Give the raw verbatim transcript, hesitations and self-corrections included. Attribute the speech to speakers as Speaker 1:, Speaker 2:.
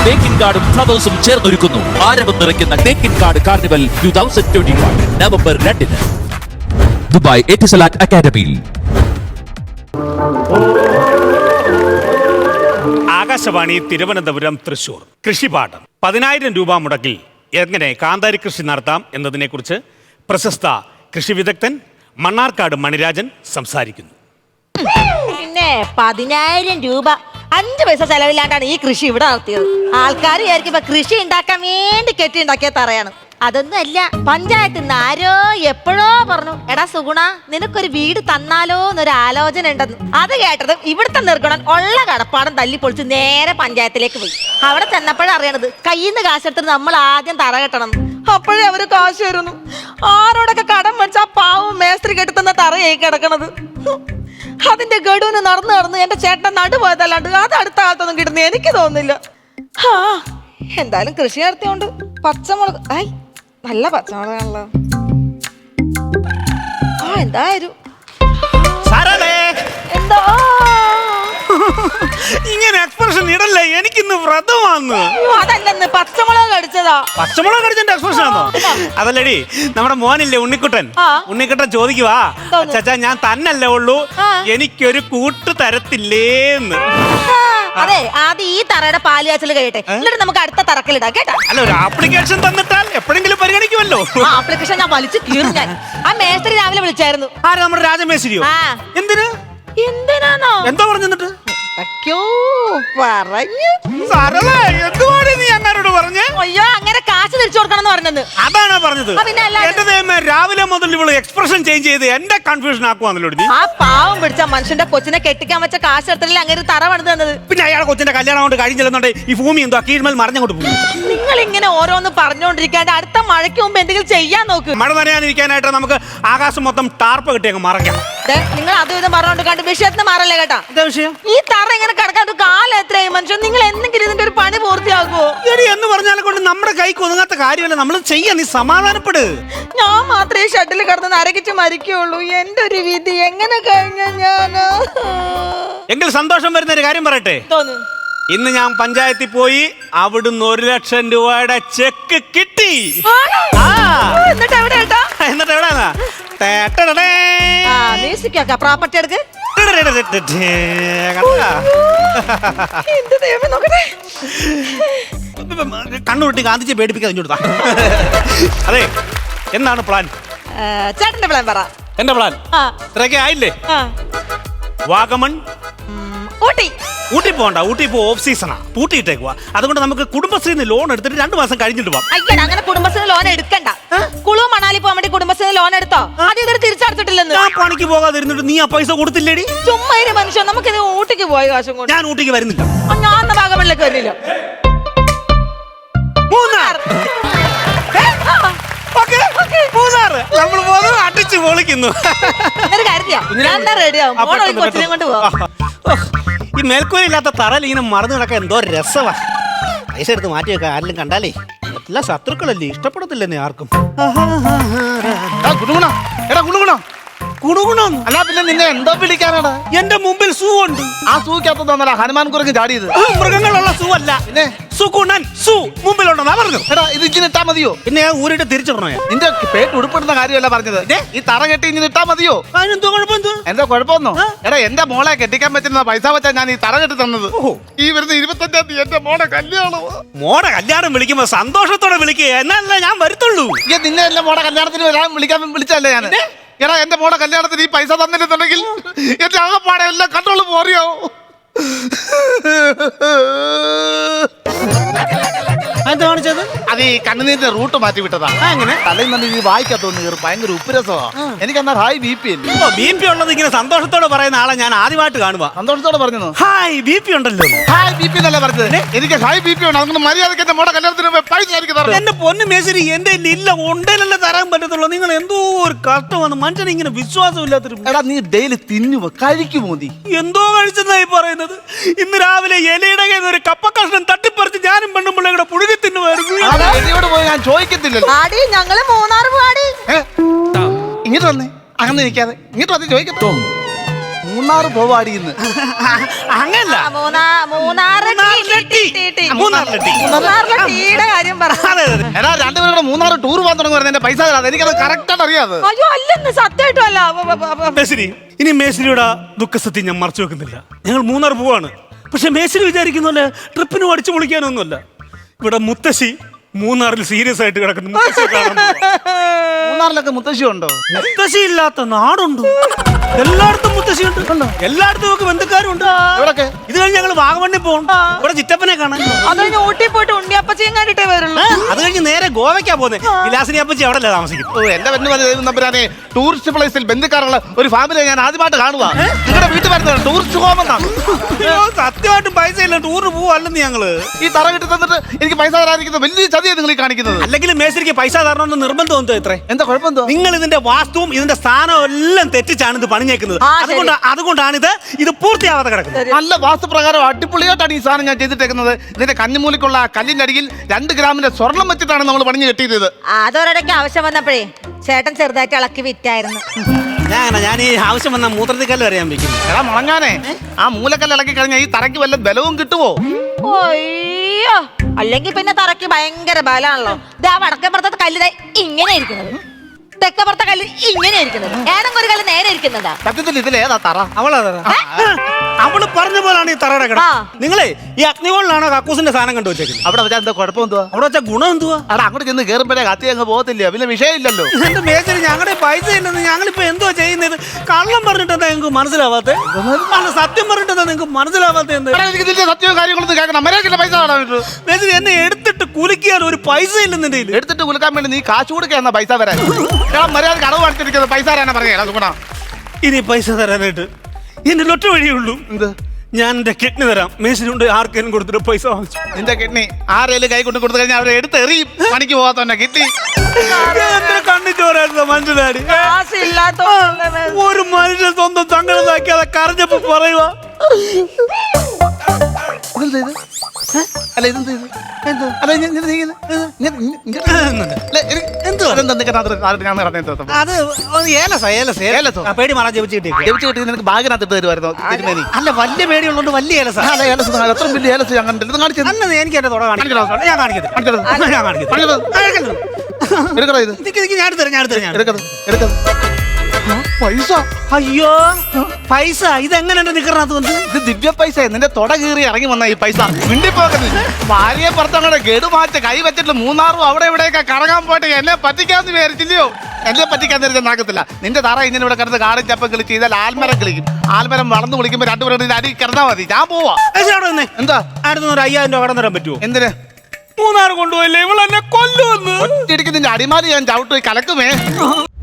Speaker 1: തേക്കിൻ കാർഡും ഫ്ലവേഴ്സും ചേർന്നൊരുക്കുന്നു ആരവം നിറയ്ക്കുന്ന Thekkinkadu carnival two thousand twenty one November രണ്ടിന് ദുബായ് എറ്റിസലാറ്റ് അക്കാദമിയിൽ.
Speaker 2: ആകാശവാണി തിരുവനന്തപുരം തൃശൂർ കൃഷിപാഠം. പതിനായിരം രൂപ മുടക്കിൽ എങ്ങനെ കാന്താരി കൃഷി നടത്താം എന്നതിനെക്കുറിച്ച് പ്രശസ്ത കൃഷി വിദഗ്ധൻ മണ്ണാർക്കാട് മണിരാജൻ സംസാരിക്കുന്നു.
Speaker 3: പിന്നെ പതിനായിരം രൂപ അഞ്ച് പൈസ ചെലവില്ലാണ്ടാണ് ഈ കൃഷി ഇവിടെ നടത്തിയത്. ആൾക്കാർ വിചാരിക്കുമ്പോ കൃഷി ഉണ്ടാക്കാൻ വേണ്ടി കെട്ടി ഉണ്ടാക്കിയ തറയാണ്. അതൊന്നും അല്ല, പഞ്ചായത്തിൽ നിന്ന് ആരോ എപ്പോഴോ പറഞ്ഞു, എടാ സുഗുണ നിനക്കൊരു വീട് തന്നാലോ എന്നൊരു ആലോചന ഉണ്ടെന്ന്. അത് കേട്ടത് ഇവിടുത്തെ നിർഗുണൻ ഉള്ള കടപ്പാടം തല്ലി പൊളിച്ച് നേരെ പഞ്ചായത്തിലേക്ക് പോയി. അവിടെ ചെന്നപ്പോഴാണ് അറിയണത് കയ്യിൽ നിന്ന് കാശെടുത്തിട്ട് നമ്മൾ ആദ്യം തറ കെട്ടണം. അപ്പോഴേ അവര് കാശ് തരുന്നു. ആരോടൊക്കെ കടം വെച്ചാ പാവം മേസ്ത്രി കെട്ടുന്ന തറയായി കിടക്കണത്. അതിന്റെ ഗഡുവിന് നടന്ന് നടന്ന് എന്റെ ചേട്ടൻ നടുപോയതല്ലാണ്ട് അത് അടുത്ത കാലത്തൊന്നും കിട്ടുന്ന എനിക്ക് തോന്നുന്നില്ല. ആ എന്തായാലും കൃഷി നടത്തിയോണ്ട് പച്ചമുളക്, ഐ നല്ല പച്ചമുളകാണല്ലോ. ആ എന്തായാലും എന്താ
Speaker 2: ഇങ്ങനെ എക്സ്പ്രഷൻ ഇടല്ലേ, എനിക്കിന്ന് വ്രതമാന്ന്.
Speaker 3: അതല്ലെന്ന് പച്ചമുളക് കടിച്ചതാ.
Speaker 2: പച്ചമുളക് കടിച്ചതിന്റെ എക്സ്പ്രഷൻ ആണോ? അതല്ലടി, നമ്മുടെ മോനില്ലേ ഉണ്ണിക്കുട്ടൻ, ഉണ്ണിക്കുട്ടൻ ചോദിക്കുവാ, ചച്ചാ ഞാൻ തന്നല്ലേ ഉള്ളൂ, എനിക്കൊരു കൂട്ട് തരത്തില്ലേന്ന്.
Speaker 3: അതെ, ആദ്യം ഈ തറയുടെ പാല് കാച്ചൽ കഴിയട്ടെ, എന്നിട്ട് നമുക്ക് അടുത്ത തറക്കലിടാം കേട്ടാ.
Speaker 2: അല്ല, ഒരു ആപ്ലിക്കേഷൻ തന്നിട്ടാൽ എപ്പോഴെങ്കിലും പരിഗണിക്കുമല്ലോ.
Speaker 3: ആപ്ലിക്കേഷൻ ഞാൻ വലിച്ചു കീറും. ഞാൻ ആ മേസ്ത്രി രാവിലെ വിളിച്ചായിരുന്നു.
Speaker 2: ആരാ? നമ്മുടെ രാജമേശ്വരിയോ? എന്തിന്?
Speaker 3: എന്തിനാണോ?
Speaker 2: എന്താ പറഞ്ഞിട്ട്?
Speaker 3: അയ്യോ അങ്ങനെ കാശ് തിരിച്ചു കൊടുക്കണം പറഞ്ഞത്.
Speaker 2: അതാണോ പറഞ്ഞത്? രാവിലെ മുതൽ ഇവള് എക്സ്പ്രഷൻ ചേഞ്ച് ചെയ്ത് എന്റെ കൺഫ്യൂഷൻ ആക്കുവാന്നല്ലോ.
Speaker 3: ആ പാവം പിടിച്ച മനുഷ്യന്റെ കൊച്ചിനെ കെട്ടിക്കാൻ വെച്ച കാശ് എടുത്തില്ല അങ്ങനെ തറ പണിത് തന്നത്.
Speaker 2: പിന്നെ അയാളെ കൊച്ചിന്റെ കല്യാണം കൊണ്ട് കഴിഞ്ഞില്ലെന്നുണ്ടെ ഈ ഭൂമി എന്തോ കീഴ്മേൽ മറിഞ്ഞങ്ങോട്ട് പോകും.
Speaker 3: നിങ്ങൾ ഇങ്ങനെ ഓരോന്ന് പറഞ്ഞോണ്ടിരിക്കാണ്ട് അടുത്ത മഴയ്ക്ക് മുമ്പ് എന്തെങ്കിലും ചെയ്യാൻ നോക്ക്.
Speaker 2: മഴ നനയാനിരിക്കാനായിട്ട് നമുക്ക് ആകാശം മൊത്തം ടാർപ്പ് കിട്ടി അങ്ങ് മറയ്ക്കാം.
Speaker 3: നിങ്ങൾ അതും ഇതും പറഞ്ഞോണ്ട് കണ്ട് വിഷയത്തിന് മാറല്ലേ കേട്ടാ.
Speaker 2: എന്താ വിഷയം?
Speaker 3: ഈ തറ ഇങ്ങനെ കിടക്കാൻ കാലം എത്രയായി മനുഷ്യൻ. നിങ്ങൾ എന്തെങ്കിലും ഇതിന്റെ ഒരു പണി പൂർത്തിയാക്കുവോ?
Speaker 2: എന്ന് പറഞ്ഞാൽ കൊണ്ട് നമ്മുടെ കൈക്ക് ഒതുങ്ങാത്ത കാര്യമല്ല, നമ്മൾ ചെയ്യാൻ. നീ സമാധാനപ്പെട്.
Speaker 3: ഞാൻ മാത്രമേ ഷട്ടിൽ കിടന്ന് നരകിച്ച് മരിക്കുള്ളൂ. എന്റെ ഒരു വിധി എങ്ങനെ കഴിഞ്ഞ ഞാന്.
Speaker 2: എങ്കിൽ സന്തോഷം വരുന്ന ഒരു കാര്യം പറയട്ടെ. ഇന്ന് ഞാൻ പഞ്ചായത്തിൽ പോയി അവിടുന്ന് ഒരു ലക്ഷം രൂപയുടെ ചെക്ക് കിട്ടി.
Speaker 3: എന്നിട്ട് എവിടെ
Speaker 2: എന്നിട്ട് എവിടെയാ
Speaker 3: പ്രോപ്പർട്ടി എടുക്ക്.
Speaker 2: കണ്ണുരുട്ടി ഗാന്ധിജിയെ പേടിപ്പിക്കാൻ കൊടുത്താ. അതെ, എന്താണ് പ്ലാൻ?
Speaker 3: ചേട്ടന്റെ പ്ലാൻ പറ.
Speaker 2: എന്റെ പ്ലാൻ ഇത്രയൊക്കെ ആയില്ലേ? വാഗമൺ,
Speaker 3: ഊട്ടി.
Speaker 2: ഊട്ടി പോകണ്ട, ഊട്ടി ഇപ്പൊ ഓഫ് സീസണാ, പൂട്ടിയിട്ടേക്കുവാ. അതുകൊണ്ട് നമുക്ക് കുടുംബശ്രീന്ന് ലോൺ എടുത്തിട്ട് രണ്ടു മാസം കഴിഞ്ഞിട്ട് പോവാം.
Speaker 3: അയ്യടാ, അങ്ങനെ കുടുംബശ്രീ ലോൺ എടുക്കണ്ട. കുളു മണാലി പോകാൻ വേണ്ടി കുടുംബശ്രീ ലോൺ എടുത്തോ? ആദ്യം ഇതൊരു തിരിച്ചടച്ചിട്ടില്ലെന്ന്.
Speaker 2: ഞാൻ പണിക്ക് പോകാതിരുന്നിട്ട് നീ ആ പൈസ കൊടുത്തില്ലേടി?
Speaker 3: ചുമ്മാ ഒരു മനുഷ്യൻ നമുക്ക് ഇത് ഊട്ടിക്ക് പോയ കാശും കൊണ്ട്.
Speaker 2: ഞാൻ ഊട്ടിക്ക് വരുന്നില്ല.
Speaker 3: ഞാൻ വാഗമണിലേക്ക് വരുന്നില്ല.
Speaker 2: മൂന്നാർ നമ്മൾ പോകുന്നു, അടിച്ചു പൊളിക്കുന്നു. ഈ മേൽക്കൂരില്ലാത്ത തറയിൽ ഇങ്ങനെ മറന്നു കിടക്കാൻ എന്തോ രസവാ. പൈസ എടുത്ത് മാറ്റി വെക്കാൻ ആരെങ്കിലും കണ്ടാലേ എല്ലാ ശത്രുക്കളല്ലേ, ഇഷ്ടപ്പെടത്തില്ലെന്നേ ആർക്കും.
Speaker 4: ഗുണഗുണ എടാ ഗുണഗുണ
Speaker 2: ഗുണഗുണം
Speaker 4: അല്ല പിന്നെ നിന്നെ എന്തോ വിളിക്കാനാടാ?
Speaker 2: എന്റെ മുമ്പിൽ സൂ ഉണ്ട്.
Speaker 4: ആ സൂക്കകത്തൊന്നല്ല ഹനുമാൻ കുരങ്ങ് ചാടിയത്.
Speaker 2: മൃഗങ്ങളുള്ള സൂ അല്ല, പിന്നെ സുഗുണൻ സൂ മുമ്പിലുണ്ടെന്നാ പറഞ്ഞു.
Speaker 4: എടാ ഇത് ഇങ്ങനെ ഇട്ടാ മതിയോ?
Speaker 2: പിന്നെ ഊരിട്ട് തിരിച്ചിടണോ?
Speaker 4: നിന്റെ പേട്ട് ഉടുപ്പെടുന്ന കാര്യമല്ല പറഞ്ഞത്. ഈ തറ കെട്ടി ഇങ്ങനെ ഇട്ടാ മതിയോ?
Speaker 2: അതിനെന്തോ കുഴപ്പം?
Speaker 4: എന്താ കുഴപ്പമൊന്നോ? എടാ എന്റെ മോളെ കെട്ടിക്കാൻ പറ്റുന്ന പൈസ വെച്ചാ ഞാൻ ഈ തറ കെട്ടി തന്നത്. ഈ വരുന്ന ഇരുപത്തഞ്ചാം തീയതി എന്റെ മോടെ കല്യാണം.
Speaker 2: മോടെ കല്യാണം വിളിക്കുമ്പോ സന്തോഷത്തോടെ വിളിക്കുക, എന്നല്ല ഞാൻ വരുത്തുള്ളൂ.
Speaker 4: ഈ നിന്നെ എന്റെ മോടെ കല്യാണത്തിന് വരാൻ വിളിക്കാൻ വിളിച്ചല്ലേ ഞാൻ. എടാ എന്റെ മോടെ കല്യാണത്തിന് ഈ പൈസ തന്നിട്ടുണ്ടെങ്കിൽ എന്റെ ആകപ്പാടെ എല്ലാം കണ്ടോളൂ പോറിയോ. അത് ഈ കണ്ണുനീരിന്റെ റൂട്ട് മാറ്റി വിട്ടതാ. അങ്ങനെ തലയിൽ നിന്ന് ഈ വായിക്കാത്തോന്ന് കയറി ഭയങ്കര ഉപ്പുരസമാ. എനിക്ക് എന്നാ ഹായ് ബി പി അല്ലേ.
Speaker 2: ബി പി ഉള്ളത് ഇങ്ങനെ സന്തോഷത്തോടെ പറയുന്ന ആളെ ഞാൻ ആദ്യമായിട്ട് കാണുക.
Speaker 4: സന്തോഷത്തോടെ പറഞ്ഞു
Speaker 2: ഹായ് ബി പി ഉണ്ടല്ലോ.
Speaker 4: ഹായ് ബി പി എന്നല്ല പറഞ്ഞത്. എനിക്ക് ഹായ് ബി പി ഉണ്ട്. അതുകൊണ്ട് മര്യാദക്ക് എന്റെ മോടെ കല്യാണത്തിന് പൈസ തരണം.
Speaker 2: എന്റെ പൊന്നു മേശരി, എന്റെ ഇല്ല ഉണ്ടേലല്ലേ തരാൻ പറ്റത്തുള്ളൂ. നിങ്ങൾ എന്തോ ഒരു കഷ്ടമാണ്. മനുഷ്യനെ ഇങ്ങനെ വിശ്വാസം ഇല്ലാത്തൊരു.
Speaker 4: എടാ നീ ഡെയിലി തിന്നുവോ കഴിക്കുമോ? നീ
Speaker 2: എന്തോ കഴിച്ചെന്നായി പറയുന്നത്. ഇന്ന് രാവിലെ ഇലയുടെ ഒരു കപ്പക്കഷ്ണം തട്ടിപ്പറിച്ച് ഞാനും പെണ്ണും പിള്ളേരുടെ പുഴുകി തിന്നുമായിരുന്നു.
Speaker 4: ഞാൻ ചോദിക്കത്തില്ലല്ലോ.
Speaker 3: ഞങ്ങള് മൂന്നാർ പാടി
Speaker 4: ഇങ്ങോട്ട് വന്നേ. അങ്ങനെ നിൽക്കാതെ ഇങ്ങോട്ട് വന്ന് ചോദിക്കട്ടോ. മൂന്നാറ് പോവാടി ഇന്ന്.
Speaker 2: അങ്ങനല്ല
Speaker 3: ആ, മൂന്നാ Munnar tea, tea, tea, tea.
Speaker 2: മൂന്നാറിലെ ടീ.
Speaker 3: മൂന്നാറിലെ ടീയുടെ കാര്യം പറ.
Speaker 2: അതെ അതെ
Speaker 4: എടാ രണ്ടുപേരും കൂടെ മൂന്നാറ് ടൂർ പോകാൻ തുടങ്ങുന്നത് എന്റെ പൈസ തരാതെ. എനിക്കത് കറക്റ്റ് ആയിട്ട് അറിയാതെ.
Speaker 3: അയ്യോ അല്ലെന്ന് സത്യമായിട്ടും അല്ല. ബ- ബ- ബ- ബ-
Speaker 2: മേശ്രി ഇനി മേശ്രിയുടെ ദുഃഖസത്യം ഞാൻ മറച്ചു വെക്കുന്നില്ല. ഞങ്ങൾ മൂന്നാർ പോവാണ്. പക്ഷെ മേശ്രി വിചാരിക്കുന്ന പോലെ ട്രിപ്പിന് അടിച്ചു പൊളിക്കാനൊന്നുമല്ല. ഇവിടെ മുത്തശ്ശി മൂന്നാറിൽ സീരിയസ് ആയിട്ട് കിടക്കുന്നു. മുത്തശ്ശിയെ കാണാൻ പോവാ.
Speaker 4: മൂന്നാറിലൊക്കെ മുത്തശ്ശി ഉണ്ടോ?
Speaker 2: മുത്തശ്ശി ഇല്ലാത്ത നാടുണ്ടോ? എല്ലായിടത്തും മുത്തശ്ശി ഉണ്ട്. എല്ലായിടത്തും നമുക്ക് ബന്ധുക്കാരുണ്ട്.
Speaker 4: എവിടൊക്കെ?
Speaker 2: ഇത് കഴിഞ്ഞ് ഞങ്ങൾ വാഗമണ്ണിൽ പോകും. ഇവിടെ ചിറ്റപ്പനെ കാണാൻ.
Speaker 3: അത് കഴിഞ്ഞ് ഊട്ടി പോയിട്ട് ഉണ്ണിയപ്പച്ചയും കണ്ടിട്ടേ വരുള്ളൂ.
Speaker 2: അത് കഴിഞ്ഞ് നേരെ ഗോവയ്ക്കാ പോകുന്നത്. വിലാസിനി അപ്പച്ചി അവിടെ അല്ലേ താമസിക്കും.
Speaker 4: ഓ എന്റെ പെണ്ണ് പറഞ്ഞ നമ്പരാനെ ടൂറിസ്റ്റ് പ്ലേസിൽ ബന്ധുക്കാരുള്ള ഒരു ഫാമിലിയെ ഞാൻ ആദ്യമായിട്ട് കാണുക. നിങ്ങളുടെ വീട്ടിൽ വരുന്നത് ടൂറിസ്റ്റ് ഹോം എന്നാണ്.
Speaker 2: സത്യമായിട്ടും പൈസ ഇല്ല, ടൂറിന് പോവല്ലെന്ന് ഞങ്ങള്.
Speaker 4: ഈ തറ കിട്ടി തന്നിട്ട് എനിക്ക് പൈസ തരാതിരിക്കുന്നത് വലിയ ചതിയാണ് നിങ്ങൾ ഈ കാണിക്കുന്നത്.
Speaker 2: അല്ലെങ്കിൽ മേശ്രിക്ക് പൈസ തരണമെന്ന് നിർബന്ധം എന്തോ ഇത്രേ.
Speaker 4: എന്താ കുഴപ്പം എന്തോ?
Speaker 2: നിങ്ങൾ ഇതിന്റെ വാസ്തുവും ഇതിന്റെ സ്ഥാനവും എല്ലാം തെറ്റിച്ചാണ് ഇത് പണിഞ്ഞേക്കുന്നത്.
Speaker 3: ആ, ശരി.
Speaker 2: അതുകൊണ്ട് അതുകൊണ്ടാണ് ഇത് ഇത് പൂർത്തിയാവാതെ കിടക്കുന്നത്.
Speaker 4: നല്ല വാസ്തുപ്രകാരം അടിപൊളിയായിട്ടാണ് ഈ സാധനം ഞാൻ ചെയ്തിട്ടേക്കുന്നത്. ഇതിന്റെ കഞ്ഞിമൂലിക്കുള്ള ആ കല്ലിന്റെ അടിയിൽ രണ്ട് ഗ്രാമിന്റെ സ്വർണം വെച്ചിട്ടാണ് നമ്മൾ പണിഞ്ഞ് കെട്ടിയത്.
Speaker 3: അതൊരിടയ്ക്ക് ആവശ്യം വന്നപ്പോഴേ ചേട്ടൻ ചെറുതായിട്ട് ഇളക്കി വിറ്റായിരുന്നു.
Speaker 2: ഞാൻ ഞാൻ ഈ ആവശ്യം വന്ന മൂത്രത്തിക്കല്ല് അറിയാൻ വെക്കും.
Speaker 4: എടാ മുളങ്ങാനെ, ആ മൂലക്കല്ല് ഇളക്കി കഴിഞ്ഞാൽ ഈ തറയ്ക്ക് വല്ല ബലവും കിട്ടുമോ?
Speaker 3: അയ്യോ അല്ലെങ്കിൽ പിന്നെ തറയ്ക്ക് ഭയങ്കര ബലാണല്ലോ. ഇതാ വടക്കേപ്പുറത്തെ കല്ല് ദേ ഇങ്ങനെ ഇരിക്കുന്നത്, തെക്കപ്പുറത്തെ കല്ല് ഇങ്ങനെ ഇരിക്കുന്നത്, ഏതെങ്കിലും ഒരു കല്ല് നേരെ ഇരിക്കുന്നതാ.
Speaker 4: സത്യത്തിൽ ഇതിലേതാ തറ?
Speaker 2: അവളാ അവള് പറഞ്ഞ പോലാണ് ഈ തറയുടെ കിട.
Speaker 3: ആ.
Speaker 2: നിങ്ങളെ ഈ അഗ്നികോളിലാണോ കക്കൂസിന്റെ സാധനം കണ്ടു വെച്ചേക്കുന്നത്?
Speaker 4: അവിടെ വെച്ചാൽ എന്താ കുഴപ്പം എന്തുവാ?
Speaker 2: അവിടെ വെച്ച ഗുണം എന്തുവാ?
Speaker 4: അവിടെ അങ്ങോട്ട് ചെന്ന് കയറുമ്പോഴേ കത്തി അങ്ങ് പോകത്തില്ല, പിന്നെ വിഷയമില്ലല്ലോ.
Speaker 2: എന്റെ മേശരി ഞങ്ങളുടെ പൈസ ഇല്ലെന്ന് ഞങ്ങളിപ്പോ എന്തോ ചെയ്യുന്നത്? കള്ളം പറഞ്ഞിട്ട് എന്താ നിങ്ങൾക്ക് മനസ്സിലാവാത്തെ? അല്ല സത്യം പറഞ്ഞിട്ട് എന്താ നിങ്ങൾക്ക് മനസ്സിലാവാത്ത എന്ത്?
Speaker 4: എടാ, എനിക്ക് ഇതിന്റെ സത്യവും കാര്യങ്ങളൊന്നും കേൾക്കണം. മര്യാദയ്ക്കുള്ള പൈസ കാണാൻ പറ്റൂ.
Speaker 2: മേശരി എന്നെ എടുത്തിട്ട് കുലിക്കാൻ ഒരു പൈസ ഇല്ലെന്നെ കയ്യില്.
Speaker 4: എടുത്തിട്ട് കുലുക്കാൻ വേണ്ടി നീ കാശ് കൊടുക്കുക പൈസ വരാൻ. എടാ മര്യാദ അടവ് അടിച്ചിരിക്കുന്നത് പൈസ തരാനാ പറയാ.
Speaker 2: ഇനി പൈസ തരാനായിട്ട് എന്റെ ഒറ്റ വഴിയുള്ളൂ.
Speaker 4: എന്ത്?
Speaker 2: ഞാൻ എന്റെ കിഡ്നി തരാം. മേശരി കൊണ്ട് ആർക്കെങ്കിലും കൊടുത്തിട്ട് പൈസ വാങ്ങിച്ചു.
Speaker 4: നിന്റെ കിഡ്നി ആരേലും കൈ കൊണ്ട് കൊടുത്തു കഴിഞ്ഞാൽ അവരെ എടുത്തെറിയും. പണിക്ക് പോകാത്തന്നെ കിഡ്നി.
Speaker 2: കണ്ണിച്ചോരായിരുന്നു മനസ്സിലാടി.
Speaker 3: കാശില്ലാത്തോണ്ട്
Speaker 2: ഒരു മനുഷ്യൻ സ്വന്തം സങ്കടത്താക്കി അത് കരഞ്ഞപ്പോ പറയുക.
Speaker 4: ഇതെന്താ ഇത്? ഏ? അല്ല ഇതെന്താ ഇത്? എന്തോ? അല്ല ഇങ്ങ- ഇങ്ങനെ ചെയ്യുന്നെ? ഇത് ഇങ്ങനെ- ഇങ്ങനെ- ഇങ്ങനെ- അല്ല, എനിക്ക്
Speaker 2: എന്തുവാ?
Speaker 4: അതെന്താ നിനക്ക് അതിനകത്ത് അതിനകത്ത് ഞാൻ നടന്നത് എന്താ?
Speaker 2: അത് ഏലസ ഏലസ
Speaker 4: ഏലസോ?
Speaker 2: ആ, പേടി മാറാൻ ജപിച്ച് കിട്ടി.
Speaker 4: ജപിച്ച് കിട്ടി നിനക്ക് ബാഗിനകത്ത് ഇട്ട് തരുമായിരുന്നു തിരുമേനി.
Speaker 2: അല്ല വലിയ പേടിയുള്ളതുകൊണ്ട് വലിയ ഏലസ.
Speaker 4: അല്ല ഏലസ് കാണാം. എത്ര വലിയ ഏലസ് ഞാൻ കണ്ടില്ല. ഇത് കാണിച്ചത്
Speaker 2: അല്ല എനിക്ക് എന്റെ തുട കാണിക്കണം. ഞാൻ കാണിക്കത്തില്ല.
Speaker 4: കാണിക്കരുത്.
Speaker 2: ഞാൻ കാണിക്കത്തില്ല.
Speaker 4: കാണിക്കരുത്.
Speaker 2: കാണിക്കത്തില്ല.
Speaker 4: എടുക്കടാ ഇത്.
Speaker 2: നിക്ക് നിക്ക് ഞാൻ എടുത്തരാം ഞാൻ എടുത്തരാം ഞാൻ
Speaker 4: എടുക്കത് എടുക്കത് പൈസ.
Speaker 2: അയ്യോ പൈസ ഇതെങ്ങനെയുണ്ട് നിക്കറിനകത്ത് വന്ന്?
Speaker 4: ഇത് ദിവ്യ പൈസ. നിന്റെ തൊട കീറി ഇറങ്ങി വന്ന ഈ പൈസ മിണ്ടിപ്പോക്കുന്നത്. ഭാര്യയെ പുറത്തങ്ങോട്ട് ഗഡുമാറ്റ കൈ വെച്ചിട്ട് മൂന്നാറും അവിടെ ഇവിടെയൊക്കെ കറങ്ങാൻ പോയിട്ട് എന്നെ പറ്റിക്കാന്ന് വിചാരിച്ചില്ലയോ? എന്നെ പറ്റിക്കാൻ നേരത്തെ നടക്കത്തില്ല. നിന്റെ തറ ഇങ്ങനെ ഇവിടെ കിടന്ന് കാടും ചപ്പം കളിച്ച് ചെയ്താൽ ആൽമരം കളിക്കും. ആൽമരം വളർന്നു കുളിക്കുമ്പോ രണ്ടുപേരും അടി കിടന്നാൽ മതി. ഞാൻ പോവാ.
Speaker 2: ഏച്ചി അവിടെ വന്നേ.
Speaker 4: എന്താ?
Speaker 2: അടുത്ത ഒരു അയ്യായിരം രൂപ കടന്നു തരാൻ പറ്റുമോ?
Speaker 4: എന്തിന്?
Speaker 2: മൂന്നാർ കൊണ്ടുപോയില്ലേ ഇവളെന്നെ കൊല്ലുവന്ന്.
Speaker 4: ഒറ്റയിടിക്ക് നിന്റെ അടിമാലി ഞാൻ ചവിട്ട് കലക്കുമേ.